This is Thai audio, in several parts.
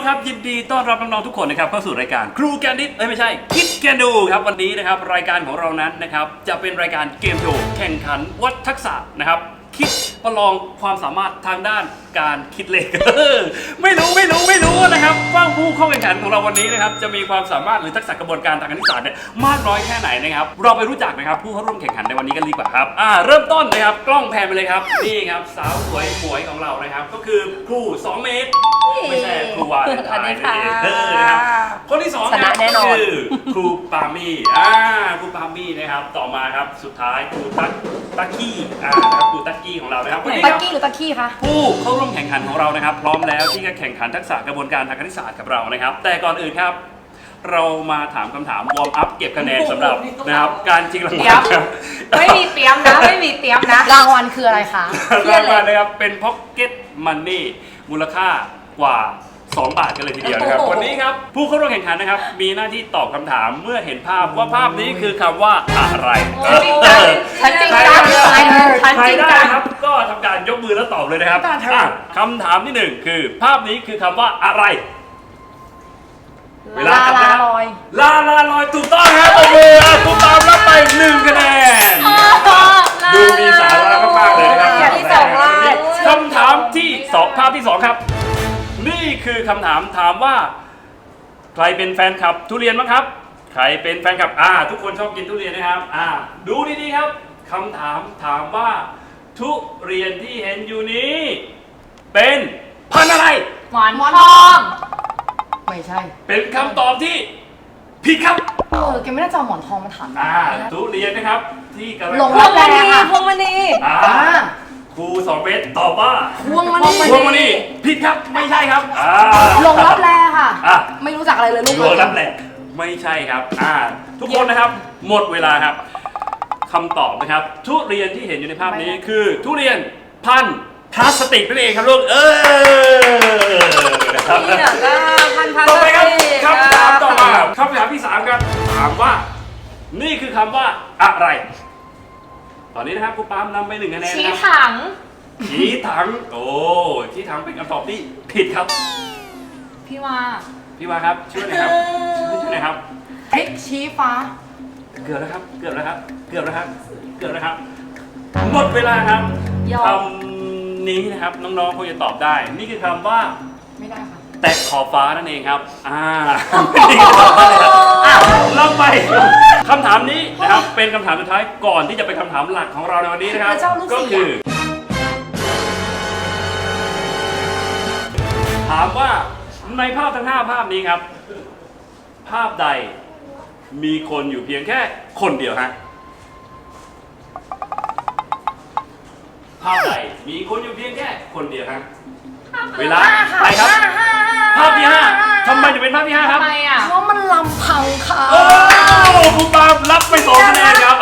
ครับยินดีต้อนรับน้องๆทุกคนนะครับเข้าสู่รายการครูแกนดิสไม่ใช่คิดแกนดูครับวันนี้นะครับรายการของเรานั้นนะครับจะเป็นรายการเกมโชว์แข่งขันวัดทักษะนะครับคิดประลองความสามารถทางด้านการคิดเลข ไม่รู้นะครับว่าผู้เข้าแข่งขันของเราวันนี้นะครับจะมีความสามารถหรือทักษะกระบวนการทางคณิตศาสตร์เนี่ยมากน้อยแค่ไหนนะครับเราไปรู้จักนะครับผู้เข้าร่วมแข่งขันในวันนี้กันดีกว่าครับเริ่มต้นนะครับกล้องแพนไปเลยครับนี่ครับสาวสวยหมวยของเรานะครับก็คือครู2 เมตรไม่ใช่ครูวาเลนไทน์นะครับคนที่2ครับคือครูปามี่ครูปามี่นะครับต่อมาครับสุดท้ายครูตักกี้นะครับครูตักกี้ของเรานะครับตักกี้หรือตักกี้คะผู้เข้าร่วมแข่งขันของเรานะครับพร้อมแล้วที่จะแข่งขันทักษะกระบวนการทางคณิตศาสตร์กับเรานะครับแต่ก่อนอื่นครับเรามาถามคำถามวอร์มอัพเก็บคะแนนสำหรับนะครับการชิงรางวัลครับไม่มีเตรียมนะรางวัลคืออะไรคะรางวัลนะครับเป็นพ็อกเก็ตมันนี่มูลค่ากว่า2 บาทกันเลยทีเดียวนะครับวันนี้ครับผู้เข้าร่วมแข่งขันนะครับมีหน้าที่ตอบคำถามเมื่อเห็นภาพว่าภาพนี้คือคำว่าอะไรฉันจริงจังใครได้ครับก็ทำการยกมือแล้วตอบเลยนะครับคำถามที่1คือภาพนี้คือคำว่าอะไรลาลอยถูกต้องครับตบมือคุณตามรับไป1 คะแนนดูมีสาระมากๆเลยนะครับคำถามที่2ภาพที่2ครับนี่คือคำถามถามว่าใครเป็นแฟนคลับทุเรียนบ้างครับใครเป็นแฟนคลับทุกคนชอบกินทุเรียนนะครับดูดีๆครับคำถามถามว่าทุเรียนที่เห็นอยู่นี้เป็นพันธุ์อะไรหมอนทองไม่ใช่เป็นคำตอบที่ผิดครับแกไม่น่าจะเอาหมอนทองมาถามทุเรียนนะครับที่กำลังพวงมณีครู2 เมตรตอบว่าพวงมณีผิดครับไม่ใช่ครับลงรับแลค่ะไม่รู้จักอะไรเลยลูกลงรับแลไม่ใช่ครับทุกคนนะครับหมดเวลาครับคำตอบนะครับทุเรียนที่เห็นอยู่ในภาพนี้คือทุเรียนพันธุ์พลาสติกนั่นเองครับลูกต่อไปครับคำถามต่อมาคำถามที่3ครับถามว่านี่คือคำว่าอะไรตอนนี้นะครับครูปามนำไป1 คะแนนชี้ถังชี้ถังเป็นคำตอบที่ผิดครับพี่วาครับช่วยหน่อยครับพริกชี้ฟ้าเกือบแล้วครับหมดเวลาครับคำนี้นะครับน้องๆคงจะตอบได้นี่คือคำว่าไม่ได้ค่ะแตะขอบฟ้านั่นเองครับลองไปคำถามนี้นะครับเป็นคำถามสุดท้ายก่อนที่จะเป็นคำถามหลักของเราในวันนี้นะครับก็คือถามว่าในภาพทั้ง5 ภาพนี้ครับภาพใดมีคนอยู่เพียงแค่คนเดียวฮะภาพใดมีคนอยู่เพียงแค่คนเดียวฮะเวลาไปครับภาพที่5ทำไมจะเป็นภาพที่5ครับเพราะมันลำพังค่ะคุณปาล์มรับไป2 คะแนนครับ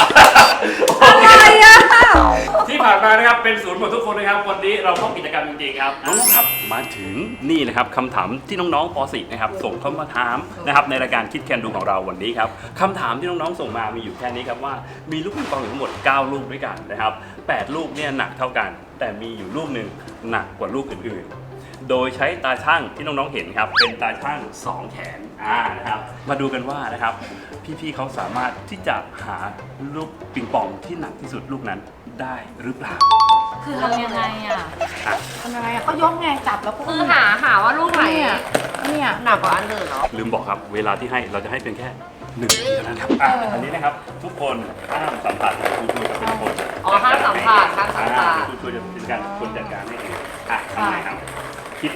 ที่ผ่านมานะครับเป็นศูนย์หมดทุกคนนะครับวันนี้เราเข้ากิจกรรมจริงๆครับน้องๆครับมาถึงนี่นะครับคำถามที่น้องๆป .4 นะครับส่งเข้ามาถามนะครับในรายการคิดแคนดูของเราวันนี้ครับคำถามที่น้องๆส่งมามีอยู่แค่นี้ครับว่ามีลูกปิงปองอยู่ทั้งหมด9 ลูกด้วยกันนะครับ8 ลูกเนี่ยหนักเท่ากันแต่มีอยู่ลูกหนึ่งหนักกว่าลูกอื่นๆโดยใช้ตาช่างที่น้องๆเห็นครับเป็นตาช่าง2 แขนนะครับมาดูกันว่านะครับพี่ๆเขาสามารถที่จะหาลูกปิงปองที่หนักที่สุดลูกนั้นได้หรือเปล่าคือทำยังไงก็ยกไงจับแล้วก็หาว่าลูกไหนเนี่ยหนักกว่าอันอื่นเหรอลืมบอกครับเวลาที่ให้เราจะให้เป็นแค่1 ทีเท่านั้นครับอันนี้นะครับทุกคนห้ามสัมผัสครูช่วยจะเป็นคนห้ามสัมผัสครูช่วยจะเป็นการคนจัดการให้เองทำไงครับคิด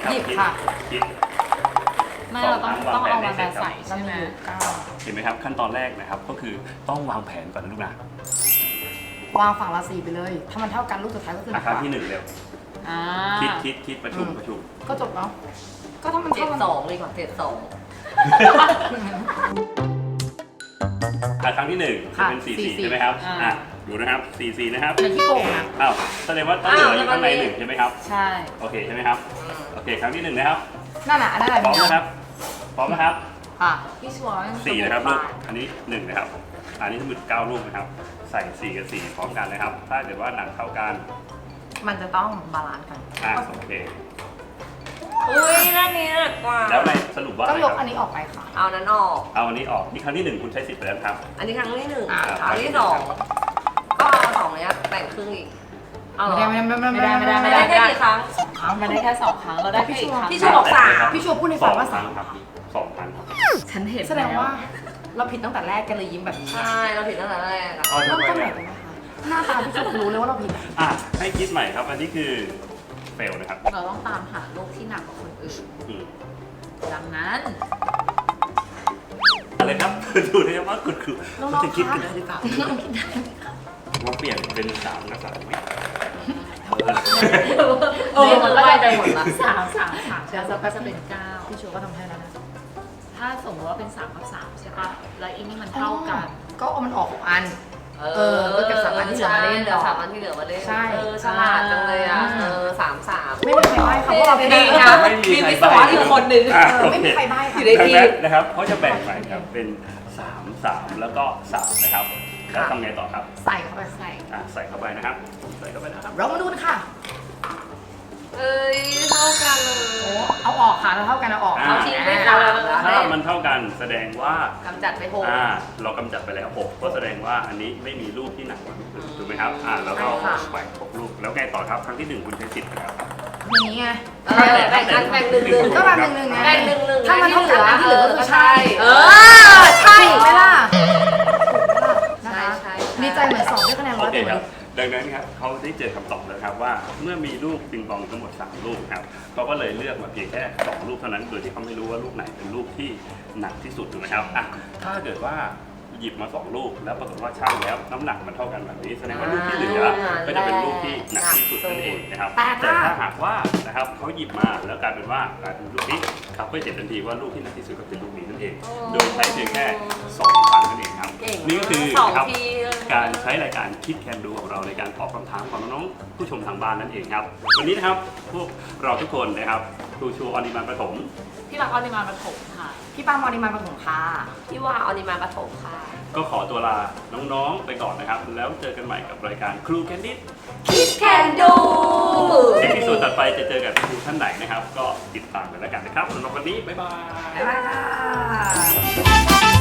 ไม่เราต้องเอามาใส่ใช่ไหมเห็นไหมครับขั้นตอนแรกนะครับก็คือต้องวางแผนก่อนนะลูกนะวางฝั่งละ4ไปเลยถ้ามันเท่ากันลูกสุดท้ายก็คือครั้งที่1เร็วคิดประชุมก็จบแล้วก็ถ้ามันเท่ากัน2เลยก่อน72 ครั้งที่1จะเป็น44ใช่ไหมครับดูนะครับ44นะครับเป็นที่โกงนะแสดงว่าต้องเหลืออยู่ข้างใน1ใช่ไหมครับใช่โอเคใช่ไหมครับโอเคครั้งที่1นะครับนั่นแหละพร้อมนะครับพี่ชัวร์ 4นะครับลูกอันนี้1นะครับอันนี้ทั้งหมด9 ลูกนะครับใส่4 กับ 4พร้อมกันนะครับถ้าเกิดว่าหนักเท่ากันมันจะต้องบาลานซ์กันโอเคอุ้ยด้านนี้หนักกว่าแล้วในสรุปว่าก็อะไรยคกรับอันนี้ออกไปค่ะเอานั้นออกเอาอันนี้ออกนี่ครั้งที่ 1 คุณใช้สิทธิ์ไปแล้วครับอันนี้ครั้งที่หนึ่งอ่าครั้งที่สองก็เอาสองเนี้ยแบ่งครึ่งอีกเอาเหรอไม่ได้ไม่ได้แค่กี่ครั้งครั้งมันได้แค่2 ครั้งเราได้แค่อีกครั้งพี่ชูบอกสามพี่ชูพูดในฝันว่าสอ 3 งครั้งครับ2 ครั้งครับฉันเห็นแสดงว่าเราผิดตั้งแต่แรกกันเลยยิ้มแบบนี้ใช่เราผิดตั้งแต่แรกอะเอาเริ่มไปต้นใหม่เลยกันไหมคะหน้าตาพี่ชูรู้เลยว่าเราผิดให้คิดใหม่ครับ อันนี้คือเฟลนะครับเราต้องตามหาลูกที่หนักกว่าคนอื่นอืมดังนั้นอะไรครับ ดูนะครับว่าคุณครูน้องๆจะคิดคะกันได้หรือเปล่ามาเปลี่ยนเป็น3กับ3ไหมมันก็ได้หมดละ3แล้วก็จะเป็น9พี่ชูก็ทำให้แล้วนะถ้าสมมติว่าเป็น3 กับ 3ใช่ปะแล้วอีนี่มันเท่ากันก็เอามันออก6 อันก็เก็บ3 อันที่เหลือมาเล่นเหลือ3 อันที่เหลือมาเล่นใช่ฉลาดจังเลยอ่ะ3 ไม่มีใครใบ้ค่ะเพราะเราดีนะมีวิศวะอยู่คนหนึ่งไม่มีใครใบ้อค่ะยู่ในดังทีนั้มนนะครับเขาจะแบ่งไปครับเป็น3 3แล้วก็3นะครับแล้วทำไงต่อครับใส่เข้าไปใส่ใส่เข้าไปนะครับใส่เข้าไปนะครับเรามาดูกันค่ะเอ้ยเท่ากันเลยโอ้เอาออกค่ะเราเท่ากันเอาออกเอาทิ้งไปสามแล้วถ้ามันเท่ากันแสดงว่ากำจัดไป6 เรากำจัดไปแล้ว6ก็แสดงว่าอันนี้ไม่มีลูกที่หนักกว่าถูกไหมครับแล้วก็แบ่ง6ลูกแล้วไงต่อครับครั้งที่ 1 คุณใช้สิทธิ์นะครับอย่างนี้ไงแบ่งกันแบ่ง1 ก็แบบ1 1ไงแบ่ง1 ถ้ามันเท่ากันอันที่เหลือก็คือใช่ใช่ถูกไหมล่ะใช่ใช่ดีใจเหมือนสอบด้วยคะแนนโอ 100 เคเต็มครับดังนั้นครับเขาได้เจอคำตอบแล้วครับว่าเมื่อมีลูกปิงปองทั้งหมด3ลูกครับเขาก็เลยเลือกมาเพียงแค่2ลูกเท่านั้นโดยที่เขาไม่รู้ว่าลูกไหนเป็นลูกที่หนักที่สุดถูกไหมครับถ้าเกิดว่าหยิบมา2ลูกแล้วปรากฏว่าช่างแล้วน้ำหนักมันเท่ากันแบบนี้แสดงว่าลูกที่เหลือก็จะเป็นลูกที่หนักที่สุดนั่นเองนะครับแต่ถ้าหากว่านะครับเขาหยิบมาแล้วกลายเป็นว่ากลายเป็นลูกนี้ครับก็จะเห็นทันทีว่าลูกที่หนักที่สุดก็เป็นลูกนี้นั่นเองโดยใช้เพียงแค่2 ครั้งนั่นเองครับนี่ก็คือนะครับการใช้รายการคิดแคนดูของเราในการตอบคำถามของน้องๆผู้ชมทางบ้านนั่นเองครับวันนี้นะครับพวกเราทุกคนนะครับครูชูออนิมานประถมพี่รักออนิมานปฐมค่ะ พี่ปังออนิมานปฐมค่ะพี่ว่าออนิมาปฐมค่ะก็ขอตัวลาน้องๆไปก่อนนะครับแล้วเจอกันใหม่กับรายการครูแคนดิสคิดแคนดูในที่สุดถัดไปจะเจอกับครูท่านไหนนะครับ ก็ติดตามกันแล้วกันนะครับสำหรับวันนี้บ๊ายบายบ๊ายบายค่ะ